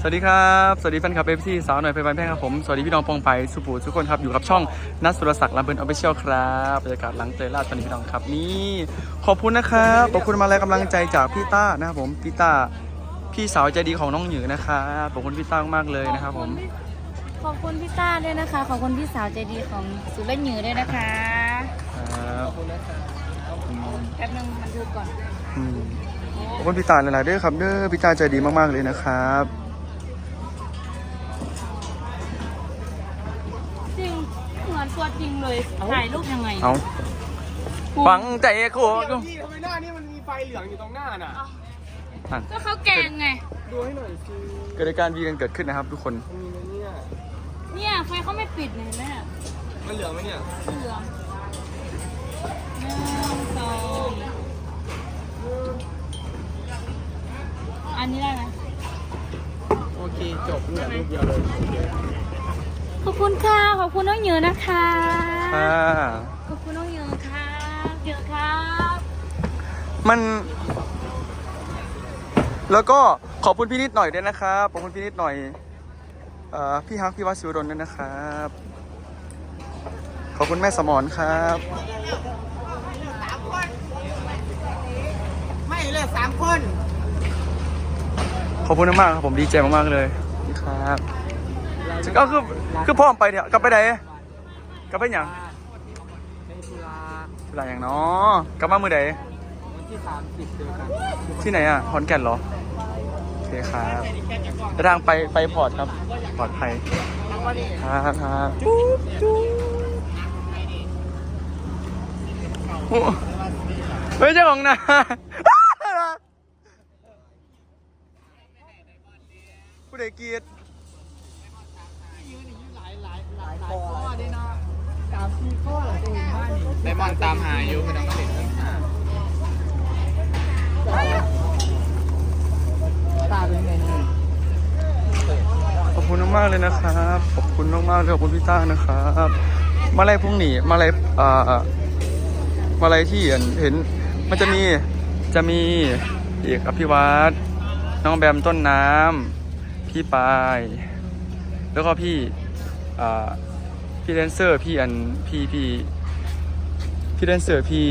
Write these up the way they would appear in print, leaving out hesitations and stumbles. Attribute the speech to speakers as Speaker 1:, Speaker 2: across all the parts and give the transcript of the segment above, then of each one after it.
Speaker 1: วัสดีครับสวัสดีแฟนคลับFCสาวหน่อยเพลินแพงครับผมสวัสดีพี่น้องปองไปสุภูทุกคนครับอยู่กับช่องนัทสุรศักดิ์ลำเพลินออฟฟิเชียลครับบรรยากาศหลังเตยล่าตอนนี้พี่น้องครับนี่ขอบคุณนะครับขอบคุณมาแรงกำลังใจจากพี่ต้านะครับผมพี่ต้าพี่สาวใจดีของน้องหยือนะครับขอบคุณพี่ต้ามากเลยนะครับผม
Speaker 2: ขอบคุณพี่ต้าด้วยนะคะขอบคุณพี่สาวใจดีของสุรหยือด้วยนะคะ
Speaker 1: ครับ
Speaker 2: แป๊บนึงมันดูก่อน
Speaker 1: ขอบคุณพี่ต้าหลายๆด้วยครับเด้อพี่ต้าใจดีมากๆเลยนะครับ
Speaker 2: จริงเหมือนตัวจริงเลยถ่ายรูปยังไง
Speaker 1: เอาฟังใจโคตร
Speaker 3: พี่ทำไมหน้านี่มันมีไฟเหลืองอยู่ตรงหน้าน่ะ
Speaker 2: ก็เขาแกงไง
Speaker 3: ดูให้หน่อยสิ
Speaker 1: เกิดการวีกันเกิดขึ้นนะครับทุกคน
Speaker 3: มีไหม
Speaker 2: เนี่ยไฟเขาไม่ปิดเลยแม่
Speaker 3: มันเหลืองไหมเนี่ย
Speaker 2: เหลือง1 2อันนี้ได้ไหม
Speaker 3: โอเคจบเหลือรูปเดียวเลย
Speaker 2: ขอบคุณค่ะขอบคุณน้องเหยือนะคะ
Speaker 1: ค่ะ
Speaker 2: ขอบคุณน้องเหยือค่ะเหยือครับ
Speaker 1: มันแล้วก็ขอบคุณพี่นิดหน่อยด้วยนะครับขอบคุณพี่นิดหน่อยพี่ฮักพี่วัดศิวดลด้วยนะครับขอบคุณแม่สมรครับ
Speaker 3: ไม่เลย3 คน
Speaker 1: ขอบคุณมากครับผมดีใจมากๆเลยครับก็คือพ่อมไปเนี่ยกลับไปไหนกลับไปอย่างเวลาอย่างเนาะกลับมามือไหน
Speaker 3: วันที่30เจอกัน
Speaker 1: ที่ไหนอ่ะขอนแก่นเหรอโอเคครับเดินทางไปพอร์ตครับปลอดภัยครับไม่ใช่ของนะผู้ใดเกียรติ
Speaker 3: ข้อดีเนาะ3-4 ข้อเหรอจะเห็นบ้านนี่ไดมอนตามหาอยู่ไม่ต้องมาเล่นตาเป็นไงเนี่ย
Speaker 1: ขอบคุณมากเลยนะครับขอบคุณมากๆเลยขอบคุณพี่ต้านะครับมาลัยพรุ่งนี้มาลัยที่เห็นมันจะมีอีกอภิวัตน้องแบมต้นน้ำพี่ปายแล้วก็พี่แดนเซอร์พี่แดนเซอร์พี่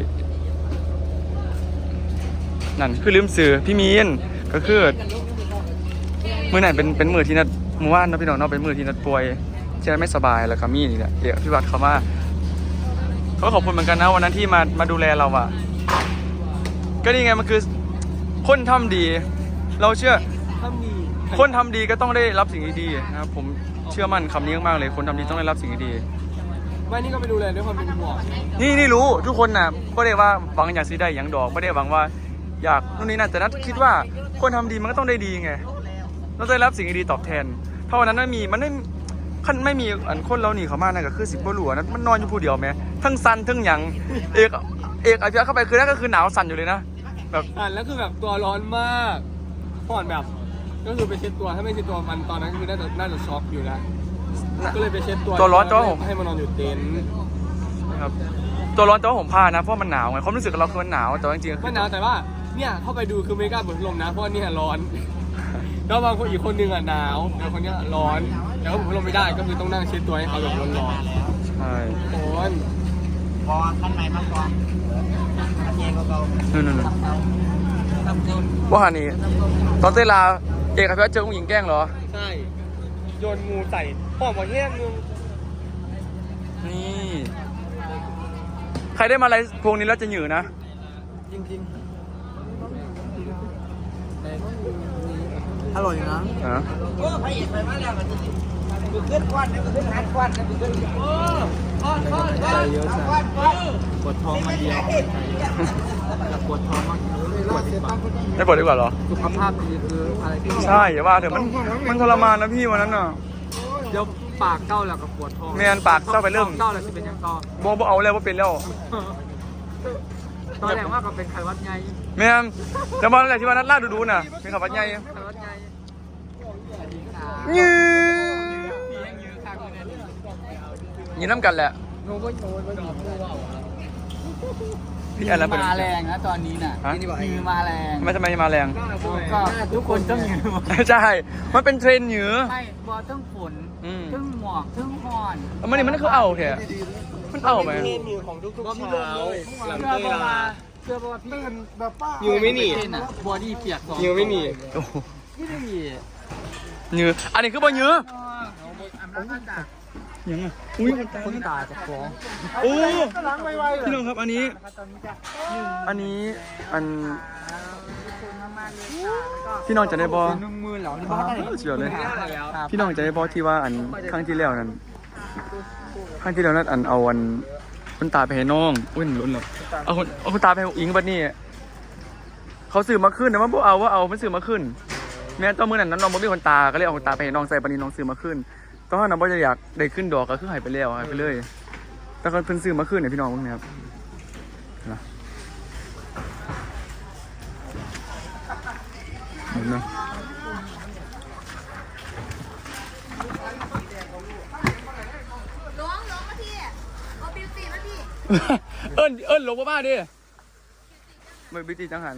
Speaker 1: นั่นคือลืมสื่อพี่มีนก็คือมือไหนเป็นมือที่นัดมือว่านนะพี่น้องเนาะเป็นมือที่นัดป่วยที่นัดไม่สบายแล้วก็มีนี่แหละเดี๋ยวพี่วัดเขามาเขาขอบคุณเหมือนกันนะวันนั้นที่มาดูแลเราอ่ะก็นี่ไงมันคือคนทำดีเราเชื่อคนทำดีก็ต้องได้รับสิ่งดีๆนะครับผมเชื่อมั่นคำนี้มากๆเลยคนทำดีต้องได้รับสิ่งดี
Speaker 3: ไม่นี่ก็ไปดูแลด้วยความเป็นห่วง
Speaker 1: นี่รู้ทุกคนนะไม่ได้ว่าหวังอยากซื้อได้อย่างดอกไม่ได้หวังว่าอยากนู่นนี่นั่นแต่นัดคิดว่าคนทำดีมันก็ต้องได้ดีไงเราจะได้รับสิ่งดีๆตอบแทนถ้าวันนั้นไม่มีอันคนเราหนีเขามากนะก็คือ10 กว่าหลัวนะมันนอนอยู่ผู้เดียวไหมทั้งสั่นทั้งหยังเอกอภิวัตเข้าไปคือนั่นก็คือหนาวสั่นอยู่เลยนะแบบ
Speaker 3: แล้วคือแบบตัวร้อนมากผ่อนแบบก็คือไปเช็ดตัวถ้าไม่เช็ดตัวมันตอนนั้นคือน่าจะช็อกอยู่แล้วก็เลยไปเช็ดตัว
Speaker 1: ร้อนตัวผม
Speaker 3: ให้มันนอนอยู่เต็นท์
Speaker 1: ครับตัวร้อนตัวผมผ้านะเพราะมันหนาวไงความรู้สึกเราคือมันหนาวแต่จริงๆ
Speaker 3: มันหนาวแต่ว่าเนี่ยเข้าไปดูคือไม่กล้าเปิดพัดลมนะเพราะเนี่ยร้อนแล้วบางคนอีกคนนึงอ่ะหนาวแต่คนนี้ร้อนแล้วผมพัดลมไม่ได้ก็คือต้องนั่งเช็ดตัวให้เขาแบบร้อน
Speaker 1: ใช่
Speaker 3: โอ้ยพอขั้นไหนมากกว่า
Speaker 1: นู่นว่านี่ตอนเตลาเอกอภิวัตเจอผู้หญิงแกล้งเหรอ
Speaker 3: ใช่โยนงูใส่พ่อมาแย่งนึง
Speaker 1: นี่ใครได้มาอะไรพวงนี้แล้วจะหยือนะ
Speaker 3: จริงอร่อยนะโอ้พระเอกไปมาแล้วมันจะขึ้นควันมันขึ้นหัดควันมันขึ้นโอ้เยอะจังปวดท้องมาเดียวปวดท้องมาก
Speaker 1: ไม่ปวดดีกว่าเหรอ
Speaker 3: สุขภาพดีคืออะไรที่
Speaker 1: ใช่อย่าว่าเถอะมันทรมานนะพี่วันนั้นน่ะ
Speaker 3: เดี๋ยวปากเก้าแล้วกับปวดท้อง
Speaker 1: เมียนปากเก้าไปเริ่ม
Speaker 3: เก้าแล้วจะเป็นยังต่อ
Speaker 1: บ่เอาแล้วว่าเป็นแล้ว
Speaker 3: ตอนแรกว่าก็เป็นไข้วัดไง
Speaker 1: เมียนแต่มาอะไรที่วันนั้นล่าดูน่ะเป็นไข้วัดไงยืนน้ำกันแหละ
Speaker 3: โน้ต
Speaker 1: พี่แอนแล้วเป็น
Speaker 3: มาแรงนะตอนนี้น่ะ
Speaker 1: ฮะ
Speaker 3: มือมาแรง
Speaker 1: ทำไมมาแรง
Speaker 3: ก็ทุกคนต้องยืน
Speaker 1: ใช่ มันเป็นเทรนด์เหนือ
Speaker 3: ไม่บอทั้งฝน
Speaker 1: อืม
Speaker 3: ทั้งหมอกทั้งหอน
Speaker 1: มันนี่มันคือเอาแท้มันเอาไหม
Speaker 4: ของทุกๆเช้าหลัง
Speaker 3: เชื่อ
Speaker 4: เต้ย
Speaker 3: ป่า
Speaker 4: ลา
Speaker 3: เชื่อป่าพี่
Speaker 4: อยู่ไม่หนี
Speaker 3: บอดี้เปียก
Speaker 4: อยู่ไม่หนี
Speaker 1: โอ้โห
Speaker 3: พี่ได้หนี
Speaker 1: เหนืออันนี้คือบ่เหนือ ยังอ่ะอุ้ย
Speaker 3: คนตาจะฟ้อง
Speaker 1: โอ้พี่น้องครับอันนี้อันพี่น้องจะได้บอ
Speaker 3: 10,000เหรอนี่
Speaker 1: เฉียวเลย พี่น้องจะได้บอที่ว่าอันครั้งที่แล้วนั้นครั้งที่แล้วนั้นอันเอาอันคุณตาไปให้น้องอุ้ยหลุนหรอเอาคุณตาไปให้อิงบัดนี้เขาซื้อมาขึ้นแต่ว่าพวกเอามันซื้อมาขึ้นแม้ตอนมื้อนั้นน้องบ่มีคนตาก็เลยเอาคนตาไปให้น้องใส่บัดนี้น้องซื้อมาขึ้นตอนนั้นบ่จะอยากได้ขึ้นดอกก็คือหายไปแล้วหายไปเลยแต่ก็เพิ่นซื้อมาขึ้นเนี่ยพี่น้องเบิ่งนะครับนะเห็นไหม
Speaker 2: ร้องมาที่เอาบิวตี้มาที่
Speaker 1: เอิ้นหลงบ้าดิไม่บิวตี้จังหัน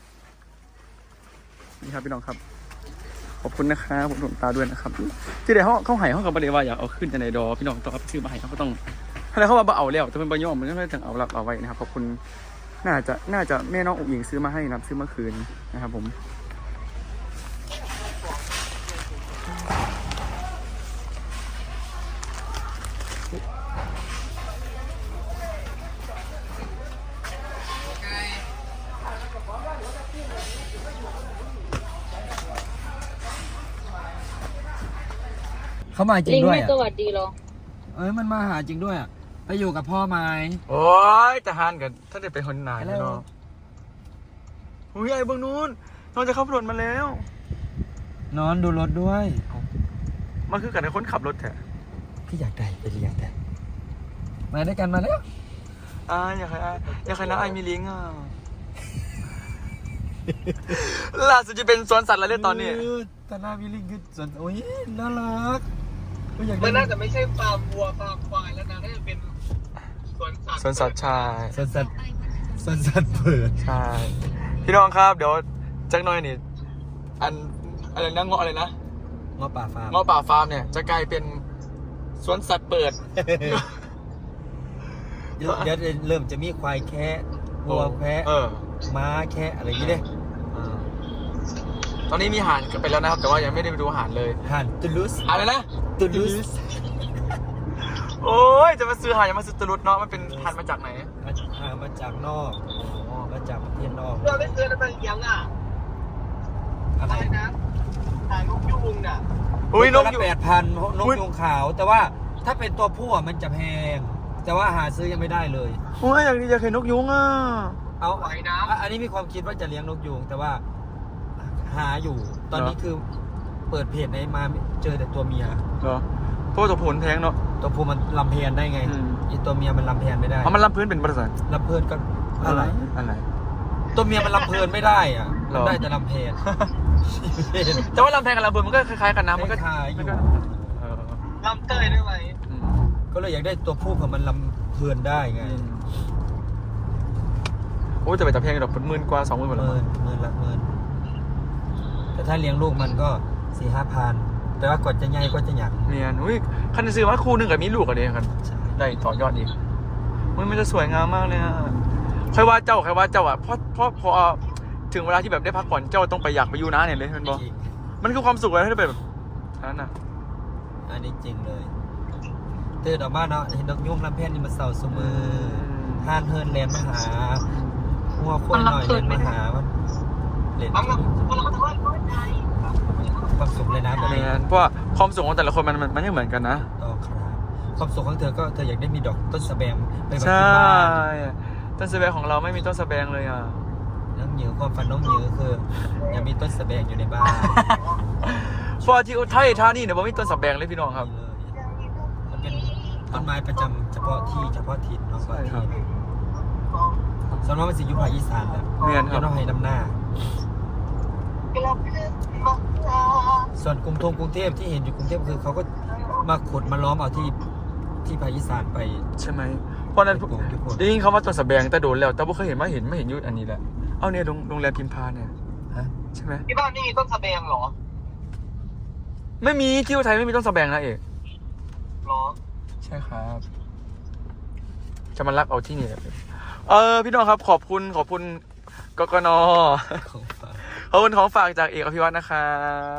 Speaker 1: นี่ครับพี่น้องครับขอบคุณนะครับผมหลวงตาด้วยนะครับที่ได้เขาให้เขากับประเดี๋ยวว่าอยากเอาขึ้นจะไหนดอพี่น้องต้องรับชื่อมาให้เขาก็ต้องอะไรเขาว่าเอาแล้วแต่เป็นใบย่อมมันก็ไม่ถึงเอาไว้นะครับขอบคุณน่าจะแม่น้องอุ๋งอิงซื้อมาให้นะครับซื้อเมื่อคืนนะครับผม
Speaker 3: เขามาจริงด้วย
Speaker 2: สวัสดีเหรอ
Speaker 3: มันมาหาจริงด้วยอ่ะไปอยู่กับพ่อไหม
Speaker 1: โอ้ยจะหันกันถ้าเด็กไปคนไหนเนาะอุ้ยไอ้เบื้องนู้นน้องจะขับรถมาแล้ว
Speaker 3: นอนดูรถด้วย
Speaker 1: มันคือกันในคนขับรถแท้
Speaker 3: พี่อยากได้ไปเรียนแต่มาด้วยกันมาแล้ว
Speaker 1: อยากให้น้าไอมีลิงอ่ะ ล่าสุดจะเป็นสวนสัตว์แล้วเนี่ยตอนนี้
Speaker 3: ตอนหน้ามีลิงคือส่วนโอ้ยน่ารักอยาก
Speaker 4: มัน
Speaker 3: ได้
Speaker 4: น่าจะไม่ใช่ฟาร์มวัวฟาร์มควายแล้วนะน่าจะเป็นสวนสัตว์
Speaker 1: สวนสัตว์ชาย
Speaker 3: ส่วนสัตว์เปิด
Speaker 1: ใช่พี่น้องครับเดี๋ยวจักหน่อยนี่อะไรนะเงาะอะไรนะ
Speaker 3: งอป่าฟาร์ม
Speaker 1: เงาะป่าฟาร์มเนี่ยจะกลายเป็นสวนสัตว์เปิด
Speaker 3: เดี๋ยวเริ่มจะมีควายแคะวัวแพะม้าแคะอะไรอย่างนี้เด้
Speaker 1: ตอนนี้มีห่านไปแล้วนะครับแต่ว่ายังไม่ได้ไปดูห่านเลย
Speaker 3: ห่านตูลูส
Speaker 1: อะไรนะ
Speaker 3: ตูลูส
Speaker 1: โอ้ยจะมาซื้อห่านอย่ามาซื้อตะลุดเนาะมันเป็นห่านมาจากไหน
Speaker 3: มาจากนอกมาจากประเทศนอก
Speaker 4: เราไม่เคยได้ไปเลี้ยงอ่ะ
Speaker 3: อะไร
Speaker 4: อะไรนะถ่ายนกยูงน่ะ
Speaker 1: อุ้ยนก
Speaker 3: ละ
Speaker 1: อยู่
Speaker 3: 8,000นกยูงขาว แต่ว่าถ้าเป็นตัวผู้อะมันจะแพง แต่ว่าหาซื้อยังไม่ได้เลย
Speaker 1: โอ้ยอยากเห็นนกยุงอ่ะ
Speaker 3: เอา
Speaker 4: ไหวนะ
Speaker 3: อันนี้มีความคิดว่าจะเลี้ยงนกยูงแต่ว่าหาอยู่ ตอนนี้คือเปิดเพจในมาเจอแต่ตัวเมีย
Speaker 1: เหรอเพราะว่าตัวผลแพงเนาะ
Speaker 3: ตัวผู้มันลำเพนได้ไง
Speaker 1: อืม
Speaker 3: อีตัวเมียมันลำเพนไม่ได้
Speaker 1: เพราะมันรับพื้นเป็นบริษัท
Speaker 3: ลำเพลินก็อะไร
Speaker 1: อะไร
Speaker 3: ตัวเมียมันลำเพลินไม่ได้อ่ะ
Speaker 1: หรอ
Speaker 3: ได้แต่ลำเพน
Speaker 1: แต่ว่าลำแพงกับลำเบิร์มันก็คล้ายๆกันนะมันก็
Speaker 3: คล้ายๆอยู่
Speaker 1: เออ
Speaker 4: ลำเตยได้ไหม
Speaker 1: อืม
Speaker 3: ก็เลยอยากได้ตัวผู้เผื่อมันลำเพลินได้ไง
Speaker 1: โอ้ยจะไปแต่แพงดอกเป็นหมื่นกว่า20,000หมดแล้วมั้ง
Speaker 3: หมื่นแต่ถ้าเลี้ยงลูกมันก็4-5,000แต่ว่ากดจะใหญ่ก็จะหยัก
Speaker 1: เมียนอุ้ยคันซื้อว่าคู่หนึงกับมีลูกกันเลยกัน
Speaker 3: ใช่
Speaker 1: ได้ต่อยอดอีกมันจะสวยงามมากเลยอ่ะใครว่าเจ้าอ่ะพอถึงเวลาที่แบบได้พักผ่อนเจ้าต้องไปอยากไปอยู่นะเนี่ยเลยมันบอก
Speaker 3: จริง
Speaker 1: มันคือความสุขเลยถ้าแบบนั้นน่ะ
Speaker 3: อันนี้จริงเลยตื่นออกมาเนาะเห็นนกยุงลำเพนนี่มันเศร้าเสมอห่านเฮินแลนมาหาหัวคนหน่อยแลนมาหามันเล่น
Speaker 4: เอามาเราก็ถือว่าเข้าใจ
Speaker 3: ความสุขเลยนะแบบ
Speaker 1: เมี
Speaker 3: นี้
Speaker 1: ยนเพราะว่าความสุขของแต่ละคนมันไม่เหมือนกันนะ
Speaker 3: ต่อครับความสุขของเธอก็เธออยากได้มีดอกต้นสะแบงไปไว้
Speaker 1: ใช่
Speaker 3: ที่บ้าน
Speaker 1: ต้นสะแบงของเราไม่มีต้นสะแบงเลยอ่ะ
Speaker 3: น้องหยิวความฝันน้องหยิวคืออยากมีต้นสะแบงอยู่ในบ้าน
Speaker 1: เพราะที่อุทัยธานีเนี่ยบ่มีต้นสะแบงเลยพี่น้องครับ
Speaker 3: นี่เลยมันเป็นต้นไม้ประจำเฉพาะที่เฉพาะถิ่นเนาะ
Speaker 1: ใช่ครับ
Speaker 3: สำหรับมันสิอยู่ภาคอีสานแหละ
Speaker 1: เมียนครับ
Speaker 3: อยู่นอกให้ดำหน้า ส่วนกรุงเทพที่เห็นอยู่กรุงเทพคือเขาก็มาขุดมาล้อมเอาที่ภาคอีสานไป
Speaker 1: ใช่ไหมเพราะนั้นได้ยินเขามาตัวสแบงแต่โดนแล้วแต่บ่เคยเห็นไม่เห็นยุดอันนี้แหละเอาเนี่ยโรงแรมพิมพาเนี่ย
Speaker 3: ฮะ
Speaker 1: ใช่ไหม
Speaker 4: ที่บ้านนี่มีต้นสะแบงเหรอ
Speaker 1: ไม่มีที่ไทยไม่มีต้นสแบงนะเอก
Speaker 4: หรอ
Speaker 1: ใช่ครับ จะมารักเอาที่นี่แหละพี่น้องครับขอบคุณกกน
Speaker 3: ของฝาก
Speaker 1: ขอบคุณของฝากจากเอกอภิวัฒน์นะครับ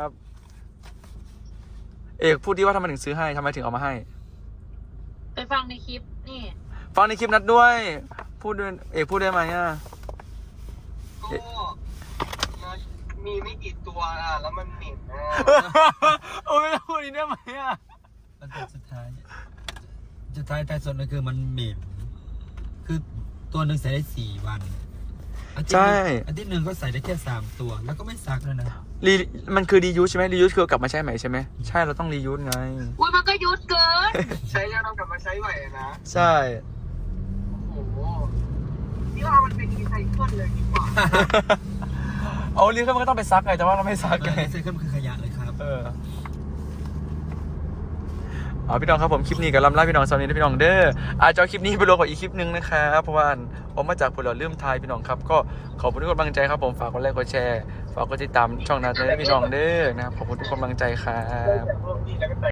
Speaker 1: เอกพูดดีว่าทำไมถึงซื้อให้ทำไมถึงเอามาให้
Speaker 2: ไปฟังในคลิปนี่
Speaker 1: ฟังในคลิปนัดด้วย พูดด้วยเอกพูดได้ไหมอ่ะ
Speaker 4: ก็มีไม่กี่ตัวอ่ะแล้วมันเหม็นอ่ะ
Speaker 1: โอ้ยไม่ต้องพูดอีกได้ไหมอ่ะ
Speaker 3: มันเป็นสุดท้ายท้ายสุดก็คือมันเหม็นคือตัวหนึ่งใส่ได้4 วันอาทิตย์หนึ่งก็ใส่ได้แค่3 ตัวแล้วก็ไม่ซักเลยนะ
Speaker 1: มันคือรียูสใช่ไหมรียูสคือกลับมาใช้ใหม่ใช่ไหมใช่เราต้องรียูสไง
Speaker 2: อุ้ยมันก็ยุดเกิน
Speaker 4: ใช้แล้วเรากลับมาใช้ใหม่นะ
Speaker 1: ใช่
Speaker 4: โอ้โหนี่ว่ามันเป็นรีไซเคิลเลยดีกว่า
Speaker 1: เอารียูสมันก็ต้องไปซักไงแต่ว่าเราไม่ซักไง
Speaker 3: ใส่เครื่องคือขยะเลยครับ
Speaker 1: เอาพี่น้องครับผมคลิปนี้กับลำล่าพี่น้องสำนีนะพี่น้องเด้ออาจจะเอาคลิปนี้ไปลงกับอีกคลิปนึงนะครับเพราะว่าออกมาจากผลเราเริ่มทายพี่น้องครับก็ขอบคุณทุกกำลังใจครับผมฝากกดไลค์กดแชร์ฝากกดติดตามช่องนั้นเลยพี่น้องเด้อนะครับขอบคุณทุกกำลังใจครับ